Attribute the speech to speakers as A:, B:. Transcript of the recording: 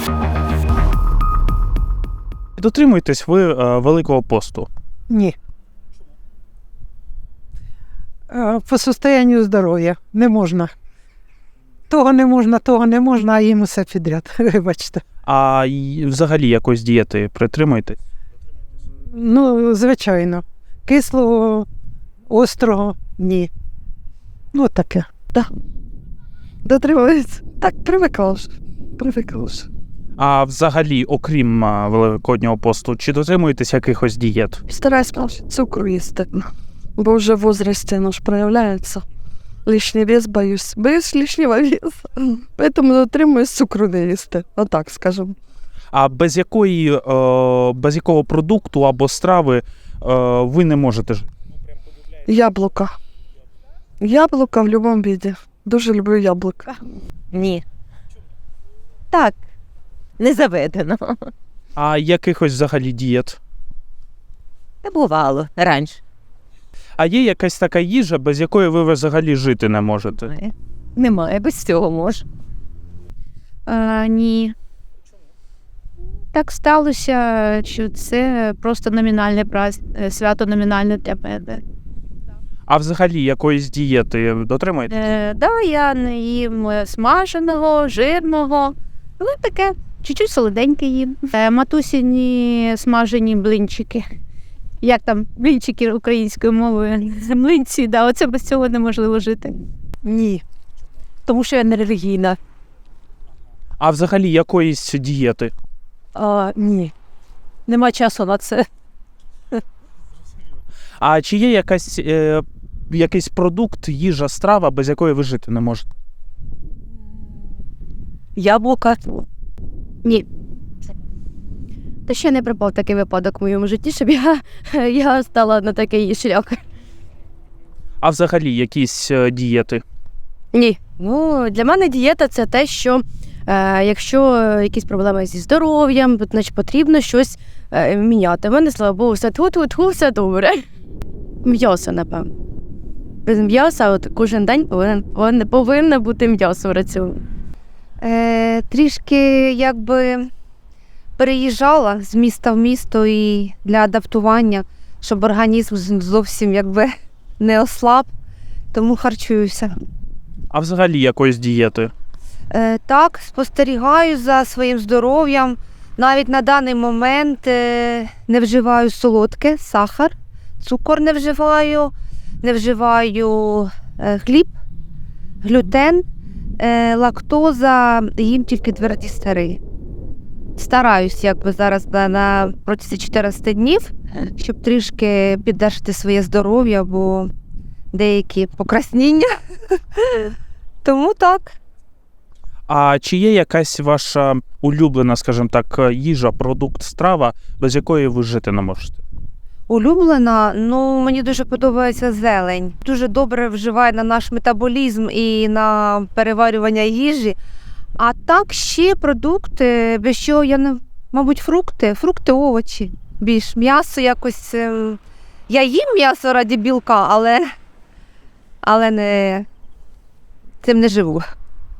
A: Дотримуєтесь ви Великого посту?
B: Ні. По состоянню здоров'я не можна. Того не можна, а їм усе підряд, вибачте.
A: А взагалі якоїсь дієти притримуєтесь?
B: Ну, звичайно. Кислого, острого – ні. Ну, таке.
C: Дотримуюсь. Так, привикла вже.
A: А взагалі, окрім Великоднього посту, чи дотримуєтесь якихось дієт?
C: Стараюсь менше цукру їсти, бо вже в возрасте наш проявляється. Лишній вес боюсь. Боюсь лишнього веса. Поэтому дотримуюсь цукру не їсти. Отак, скажемо.
A: А без якого продукту або страви ви не можете жити?
C: Яблука. Яблука в будь-якому віді. Дуже люблю яблука.
D: Ні. Так, не заведено.
A: А якихось взагалі дієт?
D: Та бувало раніше.
A: А є якась така їжа, без якої ви взагалі жити не можете?
D: Немає, без цього можу.
E: Ні. Так сталося, що це просто номінальне свято номінальне для мене.
A: А взагалі якоїсь дієти дотримуєтесь?
E: Да, я не їм смаженого, жирного, але таке, чуть-чуть солоденьке їм. Матусіні смажені блинчики. Як там блинчики українською мовою? Млинці, да, оце без цього неможливо жити.
D: Ні. Тому що я не релігійна.
A: А взагалі якоїсь дієти?
D: Ні. Нема часу на це.
A: А чи є якийсь продукт, їжа, страва, без якої ви жити не можете?
D: Яблука.
E: Ні. Та ще не припав такий випадок в моєму житті, щоб я стала на такий шлях.
D: А взагалі якісь дієти?
E: Ні. Ну, для мене дієта – це те, що якщо якісь проблеми зі здоров'ям, значить потрібно щось міняти. У мене, слава Богу, все добре. М'ясо, напевно. Без м'яса кожен день повинно бути м'ясо в раціоні.
F: Трішки якби переїжджала з міста в місто і для адаптування, щоб організм зовсім якби не ослаб, тому харчуюся.
A: А взагалі якоїсь дієти?
F: Так, спостерігаю за своїм здоров'ям. Навіть на даний момент не вживаю солодке, сахар, цукор не вживаю хліб, глютен, лактоза, їм тільки тверді сири. Стараюсь якби зараз на протязі 14 днів, щоб трішки піддержати своє здоров'я, бо деякі покраснення. Тому так.
A: А чи є якась ваша улюблена, скажімо так, їжа, продукт, страва, без якої ви жити не можете?
F: Улюблена? Ну, мені дуже подобається зелень. Дуже добре вживає на наш метаболізм і на переварювання їжі. А так ще продукти, без чого я не... Мабуть, фрукти, овочі. Більш м'ясо якось... Я їм м'ясо раді білка, але цим не живу.